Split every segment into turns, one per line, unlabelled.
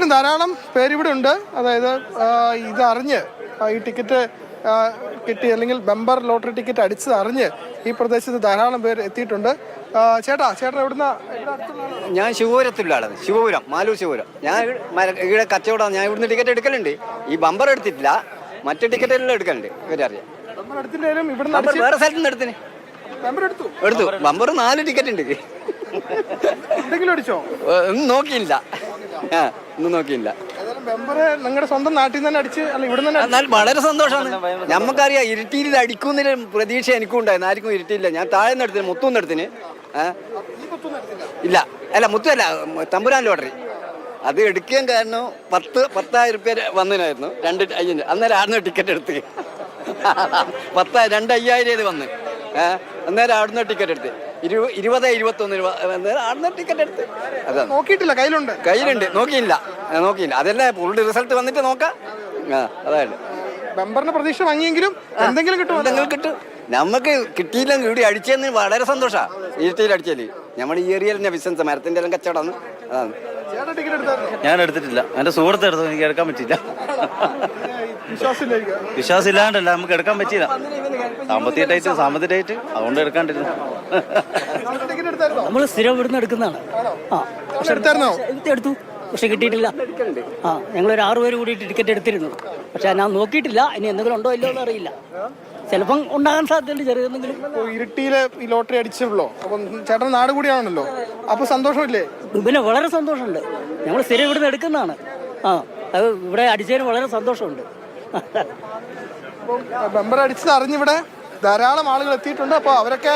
തീർച്ചയായിട്ടും ധാരാളം പേരിവിടെ ഉണ്ട്. അതായത് ഇതറിഞ്ഞ് ഈ ടിക്കറ്റ് കിട്ടി അല്ലെങ്കിൽ ബമ്പർ ലോട്ടറി ടിക്കറ്റ് അടിച്ചത് അറിഞ്ഞ് ഈ പ്രദേശത്ത് ധാരാളം പേര് എത്തിയിട്ടുണ്ട്. ചേട്ടാ എവിടുന്ന?
ഞാൻ ശിവപുരത്തുള്ള ആളാണ്. ശിവപുരം, മാലൂർ ശിവപുരം. ഞാൻ ഇവിടെ കച്ചവടം. ഞാൻ ഇവിടുന്ന് ടിക്കറ്റ് എടുക്കലുണ്ട്. ഈ ബമ്പർ എടുത്തിട്ടില്ല, മറ്റു ടിക്കറ്റ് എല്ലാം എടുക്കലുണ്ട്. ഇവരറിയാം. വേറെ സ്ഥലത്ത് നിന്ന് എടുത്തിന് എടുത്തു. ബമ്പർ 4 ടിക്കറ്റ് ഉണ്ട്. ഒന്നും നോക്കിയില്ല. ഒന്നും നോക്കിയില്ല.
നിങ്ങളുടെ സ്വന്തം നാട്ടിൽ തന്നെ അടിച്ച്
എന്നാൽ വളരെ സന്തോഷമാണ്. നമുക്കറിയാം ഇരുട്ടിയിൽ അടിക്കുന്നതിന് പ്രതീക്ഷ എനിക്കും ഉണ്ടായിരുന്നു. ആർക്കും ഇരുട്ടിയില്ല. ഞാൻ താഴെ നിന്ന് എടുത്തിന്, മുത്തുനിന്ന് എടുത്തിന്. ഇല്ല, അല്ല മുത്തല്ല, തമ്പുരാൻ ലോട്ടറി. അത് എടുക്കാൻ കാരണം 10,000 രൂപ വന്നതിനായിരുന്നു. 2 അയ്യന്. അന്നേരം ആടുന്ന ടിക്കറ്റ് എടുത്ത് 2,500 വന്ന്. അന്നേരം ആടുന്ന ടിക്കറ്റ് എടുത്ത് 20-21 രൂപ ആടുന്ന ടിക്കറ്റ് എടുത്ത്. അതാ
നോക്കിയിട്ടില്ല,
കയ്യിലുണ്ട്. നോക്കിയില്ല. അതല്ലേ ഫുൾ റിസൾട്ട് വന്നിട്ട് നോക്കാം. അതാണ്
ബമ്പറിന്റെ പ്രതീക്ഷ വാങ്ങിയെങ്കിലും എന്തെങ്കിലും
കിട്ടും. നമുക്ക് കിട്ടിയില്ലെങ്കിൽ ഇവിടെ അടിച്ചെന്ന് വളരെ സന്തോഷമാണ്. ഇരുട്ടിയിൽ അടിച്ചാല് നമ്മുടെ ഈ ഏരിയയിലെ ബിസിനസ് മരത്തിന്റെ എല്ലാം കച്ചവടമാണ്. അതാണ്.
ഞാൻ എടുത്തിട്ടില്ല. എന്റെ സുഹൃത്ത് എടുത്തു. എനിക്ക് എടുക്കാൻ പറ്റിയില്ല. വിശ്വാസം ഇല്ലാണ്ടല്ല, നമുക്ക് എടുക്കാൻ പറ്റിയില്ല. സാമ്പത്തികമായിട്ട് അതുകൊണ്ട് എടുക്കാണ്ടിരുന്നു.
നമ്മള് സ്ഥിരം ഇവിടുന്ന് എടുക്കുന്നതാണ്. എടുത്തു, പക്ഷെ കിട്ടിയിട്ടില്ല. ഞങ്ങളൊരു 6 പേര് കൂടിയിട്ട് ടിക്കറ്റ് എടുത്തിരുന്നു. പക്ഷെ ഞാൻ നോക്കിയിട്ടില്ല. ഇനി എന്തെങ്കിലും ഉണ്ടോ ഇല്ലോ എന്ന് അറിയില്ല. ചിലപ്പം ഉണ്ടാകാൻ സാധ്യതയുണ്ട് ചെറിയതെങ്കിലും.
ഇരുട്ടിയില് ഈ ലോട്ടറി അടിച്ചല്ലോ. അപ്പം ചേട്ടൻ നാട് കൂടിയാണല്ലോ, അപ്പൊ സന്തോഷമില്ലേ?
പിന്നെ വളരെ സന്തോഷമുണ്ട്. ഞങ്ങൾ സ്ഥിരം ഇവിടുന്ന് എടുക്കുന്നതാണ്. അത് ഇവിടെ അടിച്ചതിന് വളരെ സന്തോഷമുണ്ട്.
ബമ്പർ അടിച്ചത് അറിഞ്ഞിവിടെ ധാരാളം ആളുകൾ എത്തിയിട്ടുണ്ട്. അപ്പോൾ അവരൊക്കെ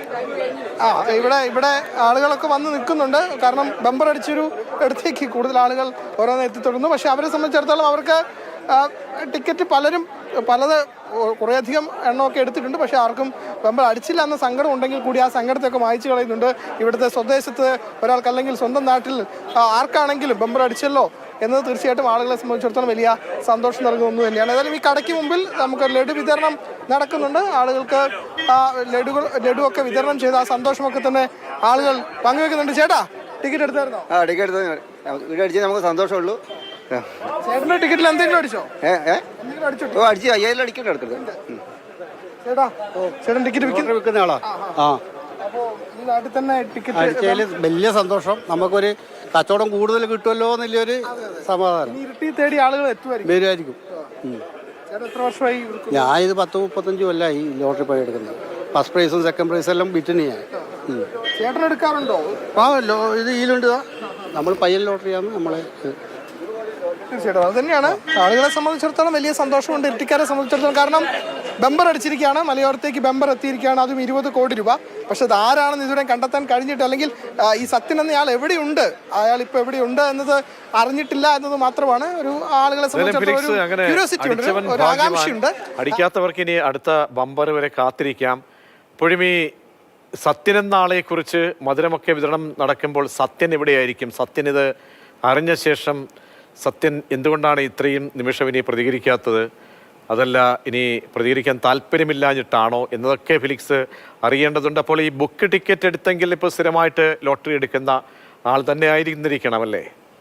ഇവിടെ ആളുകളൊക്കെ വന്ന് നിൽക്കുന്നുണ്ട്. കാരണം ബമ്പർ അടിച്ചൊരു ഇടത്തേക്ക് കൂടുതൽ ആളുകൾ ഓരോന്ന് എത്തിത്തുടങ്ങുന്നു. പക്ഷെ അവരെ സംബന്ധിച്ചിടത്തോളം അവർക്ക് ടിക്കറ്റ് കുറേയധികം എണ്ണമൊക്കെ എടുത്തിട്ടുണ്ട്. പക്ഷെ ആർക്കും ബമ്പർ അടിച്ചില്ല എന്ന സങ്കടം ഉണ്ടെങ്കിൽ കൂടി ആ സങ്കടത്തെയൊക്കെ മായ്ച്ചു കളയുന്നുണ്ട്. ഇവിടുത്തെ സ്വദേശത്ത് ഒരാൾക്കല്ലെങ്കിൽ സ്വന്തം നാട്ടിൽ ആർക്കാണെങ്കിലും ബമ്പർ അടിച്ചല്ലോ എന്നത് തീർച്ചയായിട്ടും ആളുകളെ സംബന്ധിച്ചിടത്തോളം വലിയ സന്തോഷം നൽകുന്ന ഒന്ന് തന്നെയാണ്. ഏതായാലും ഈ കടയ്ക്ക് മുമ്പിൽ നമുക്ക് ലഡു വിതരണം നടക്കുന്നുണ്ട്. ആളുകൾക്ക് ലഡുവൊക്കെ വിതരണം ചെയ്ത് ആ സന്തോഷമൊക്കെ തന്നെ ആളുകൾ പങ്കുവെക്കുന്നുണ്ട്. ചേട്ടാ, ടിക്കറ്റ് എടുത്തായിരുന്നോ?
ടിക്കറ്റ് അടിച്ച് നമുക്ക് സന്തോഷമുള്ളൂ.
ചേട്ടന്റെ ടിക്കറ്റിൽ എന്തെങ്കിലും അടിച്ചോ?
അടിച്ചു 5,000 അടിക്കണ്ട എടുക്കുന്നത്.
ചേട്ടൻ ടിക്കറ്റ് വിൽക്കുന്ന ആളാ. അപ്പോ ഈ നാട്ടിൽ തന്നെ ടിക്കറ്റ്
അടിച്ചതിൽ വലിയ സന്തോഷം. നമുക്കൊരു കച്ചവടം കൂടുതൽ കിട്ടുമല്ലോ എന്നുള്ളൊരു സമാധാനം.
ഇരുട്ടി തേടി ആളുകൾ
വരുമായിരിക്കും.
എത്ര വർഷമായി?
ഞാൻ ഇത് 10-35 കൊല്ലമായി ഈ ലോട്ടറി പണി എടുക്കുന്നത്. ഫസ്റ്റ് പ്രൈസും സെക്കൻഡ് പ്രൈസും എല്ലാം വിറ്റിന് ഞാൻ.
ചേട്ടൻ എടുക്കാറുണ്ടോ?
ഇത് ഇതിലുണ്ട്. നമ്മൾ പയ്യൻ ലോട്ടറിയാണ് നമ്മളെ.
തീർച്ചയായിട്ടും അത് തന്നെയാണ് ആളുകളെ സംബന്ധിച്ചിടത്തോളം വലിയ സന്തോഷമുണ്ട്. ഇരട്ടിക്കാരെ സംബന്ധിച്ചിടത്തോളം. കാരണം ബമ്പർ അടിച്ചിരിക്കുകയാണ്, മലയോരത്തേക്ക് ബമ്പർ എത്തിയിരിക്കുകയാണ്, അതും 20 കോടി രൂപ. പക്ഷെ അത് ആരാണെന്ന് ഇതുവരെ കണ്ടെത്താൻ കഴിഞ്ഞിട്ട്, അല്ലെങ്കിൽ ഈ സത്യൻ എന്നയാൾ എവിടെയുണ്ട്, അയാൾ ഇപ്പൊ എവിടെയുണ്ട് എന്നത് അറിഞ്ഞിട്ടില്ല എന്നത് മാത്രമാണ് ഒരു ആളുകളെ സംബന്ധിച്ചിടത്തോളം ക്യൂരിയോസിറ്റി ഉണ്ട്, ഒരു ആകാംക്ഷയുണ്ട്.
അടിക്കാത്തവർക്ക് ഇനി അടുത്ത ബമ്പർ വരെ കാത്തിരിക്കാം. ഇപ്പോഴും ഈ സത്യൻ എന്ന ആളെ കുറിച്ച് മധുരമൊക്കെ വിതരണം നടക്കുമ്പോൾ സത്യൻ എവിടെയായിരിക്കും? സത്യൻ ഇത് അറിഞ്ഞ ശേഷം സത്യൻ എന്തുകൊണ്ടാണ് ഇത്രയും നിമിഷം ഇനി പ്രതികരിക്കാത്തത്? അതല്ല ഇനി പ്രതികരിക്കാൻ താല്പര്യമില്ലാഞ്ഞിട്ടാണോ എന്നതൊക്കെ ഫിലിക്സ് അറിയേണ്ടതുണ്ട്. അപ്പോൾ ഈ ബുക്ക് ടിക്കറ്റ് എടുത്തെങ്കിൽ ഇപ്പോൾ സ്ഥിരമായിട്ട് ലോട്ടറി എടുക്കുന്ന ആൾ തന്നെ ആയിരുന്നിരിക്കണം അല്ലേ?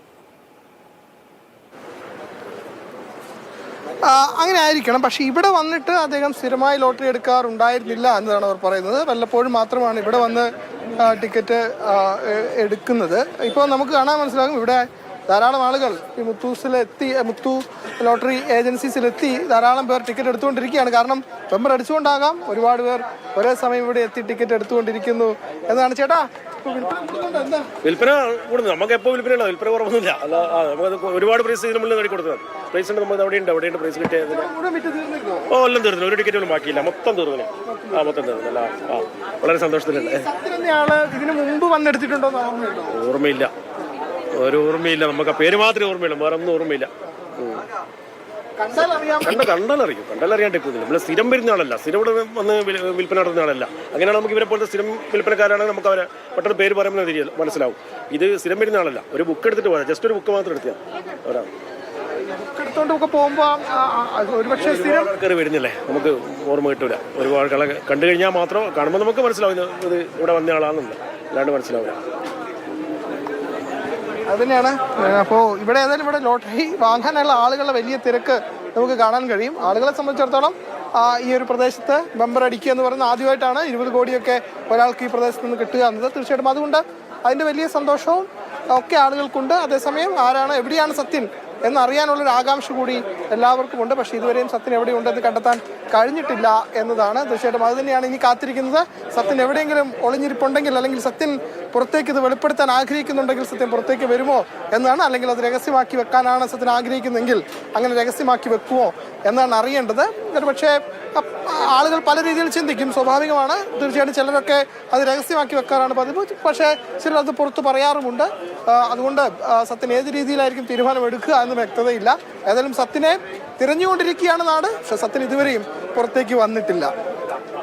അങ്ങനെ ആയിരിക്കണം. പക്ഷെ ഇവിടെ വന്നിട്ട് അദ്ദേഹം സ്ഥിരമായി ലോട്ടറി എടുക്കാറുണ്ടായിരുന്നില്ല എന്നതാണ് അവർ പറയുന്നത്. വല്ലപ്പോഴും മാത്രമാണ് ഇവിടെ വന്ന് ടിക്കറ്റ് എടുക്കുന്നത്. ഇപ്പോൾ നമുക്ക് കാണാൻ മനസ്സിലാകും ഇവിടെ ധാരാളം ആളുകൾ ഈ മുത്തു ലോട്ടറി ഏജൻസീസിലെത്തി ധാരാളം പേർ ടിക്കറ്റ് എടുത്തുകൊണ്ടിരിക്കുകയാണ്. കാരണം ബമ്പർ അടിച്ചുകൊണ്ടാകാം ഒരുപാട് പേർ ഒരേ സമയം ഇവിടെ എത്തി ടിക്കറ്റ് എടുത്തുകൊണ്ടിരിക്കുന്നു എന്നതാണ്. ചേട്ടാ,
വിൽപ്പന കൂടുന്നു. നമുക്ക് എപ്പോൾ വിൽപ്പന കുറവൊന്നുമില്ല. അല്ല, നമുക്ക് ഒരുപാട് പ്രൈസ് ഇതിന് മുന്നിൽ നേടി കൊടുത്തത്. പ്രൈസ് ഉണ്ട്, നമ്മൾ അവിടെയുണ്ട് പ്രൈസ് കിട്ടിയത്. എല്ലാം തീർന്നു. ഒരു ടിക്കറ്റ് പോലും ബാക്കിയില്ല. മൊത്തം തീർന്നു. മൊത്തം തീർന്നു. അല്ല, വളരെ സന്തോഷത്തിലുണ്ട്.
ഇതിന് മുമ്പ് വന്നെടുത്തിട്ടുണ്ടോ?
ഓർമ്മയില്ല, ഒരു ഓർമ്മയില്ല. നമുക്ക് ആ പേര് മാത്രമേ ഓർമ്മയുള്ളൂ, വേറെ ഒന്നും ഓർമ്മയില്ല. കണ്ടാലറിയാണ്ട് ഇപ്പോൾ നമ്മൾ സ്ഥിരം വരുന്ന ആളല്ല, സ്ഥിരം ഇവിടെ വന്ന് വിൽപ്പന നടത്തുന്ന ആളല്ല. അങ്ങനെയാണ് നമുക്ക് ഇവരെ പോലത്തെ സ്ഥിരം വിൽപ്പനക്കാരാണെങ്കിൽ നമുക്ക് അവരെ പെട്ടെന്ന് പേര് പറയുന്നത് മനസ്സിലാവും. ഇത് സ്ഥിരം വരുന്ന ആളല്ല. ഒരു ബുക്ക് എടുത്തിട്ട് പോരാ, ജസ്റ്റ് ഒരു ബുക്ക് മാത്രം എടുത്താൽ ഒരാൾ കയറി വരുന്നില്ലേ, നമുക്ക് ഓർമ്മ കിട്ടൂല. ഒരുപാട് കള കണ്ടു കഴിഞ്ഞാൽ മാത്രം കാണുമ്പോൾ നമുക്ക് മനസ്സിലാവും ഇത് ഇവിടെ വന്ന ആളാണെന്നില്ല, അല്ലാണ്ട് മനസ്സിലാവില്ല.
അത് തന്നെയാണ്. അപ്പോൾ ഇവിടെ ഏതായാലും ഇവിടെ ലോട്ടറി വാങ്ങാനുള്ള ആളുകളുടെ വലിയ തിരക്ക് നമുക്ക് കാണാൻ കഴിയും. ആളുകളെ സംബന്ധിച്ചിടത്തോളം ഈ ഒരു പ്രദേശത്ത് ബമ്പർ അടിക്കുക എന്ന് പറയുന്നത് ആദ്യമായിട്ടാണ് 20 കോടിയൊക്കെ ഒരാൾക്ക് ഈ പ്രദേശത്ത് നിന്ന് കിട്ടുക എന്നത്. തീർച്ചയായിട്ടും അതുകൊണ്ട് അതിൻ്റെ വലിയ സന്തോഷവും ഒക്കെ ആളുകൾക്കുണ്ട്. അതേസമയം ആരാണ് എവിടെയാണ് സത്യൻ എന്നറിയാനുള്ളൊരു ആകാംക്ഷ കൂടി എല്ലാവർക്കും ഉണ്ട്. പക്ഷേ ഇതുവരെയും സത്യൻ എവിടെയുണ്ടെന്ന് കണ്ടെത്താൻ കഴിഞ്ഞിട്ടില്ല എന്നതാണ്. തീർച്ചയായിട്ടും അത് തന്നെയാണ് ഇനി കാത്തിരിക്കുന്നത്. സത്യൻ എവിടെയെങ്കിലും ഒളിഞ്ഞിരിപ്പുണ്ടെങ്കിൽ അല്ലെങ്കിൽ സത്യൻ പുറത്തേക്ക് ഇത് വെളിപ്പെടുത്താൻ ആഗ്രഹിക്കുന്നുണ്ടെങ്കിൽ സത്യൻ പുറത്തേക്ക് വരുമോ എന്നാണ്. അല്ലെങ്കിൽ അത് രഹസ്യമാക്കി വെക്കാനാണ് സത്യൻ ആഗ്രഹിക്കുന്നതെങ്കിൽ അങ്ങനെ രഹസ്യമാക്കി വെക്കുമോ എന്നാണ് അറിയേണ്ടത്. പക്ഷേ ആളുകൾ പല രീതിയിൽ ചിന്തിക്കും, സ്വാഭാവികമാണ്. തീർച്ചയായിട്ടും ചിലരൊക്കെ അത് രഹസ്യമാക്കി വെക്കാറാണ് പതിവ്. പക്ഷേ ചിലർ അത് പുറത്ത് പറയാറുമുണ്ട്. അതുകൊണ്ട് സത്യൻ ഏത് രീതിയിലായിരിക്കും തീരുമാനമെടുക്കുക എന്ന് വ്യക്തതയില്ല. ഏതായാലും സത്യനെ തിരഞ്ഞുകൊണ്ടിരിക്കുകയാണ് നാട്. പക്ഷെ സത്യൻ ഇതുവരെയും പുറത്തേക്ക് വന്നിട്ടില്ല.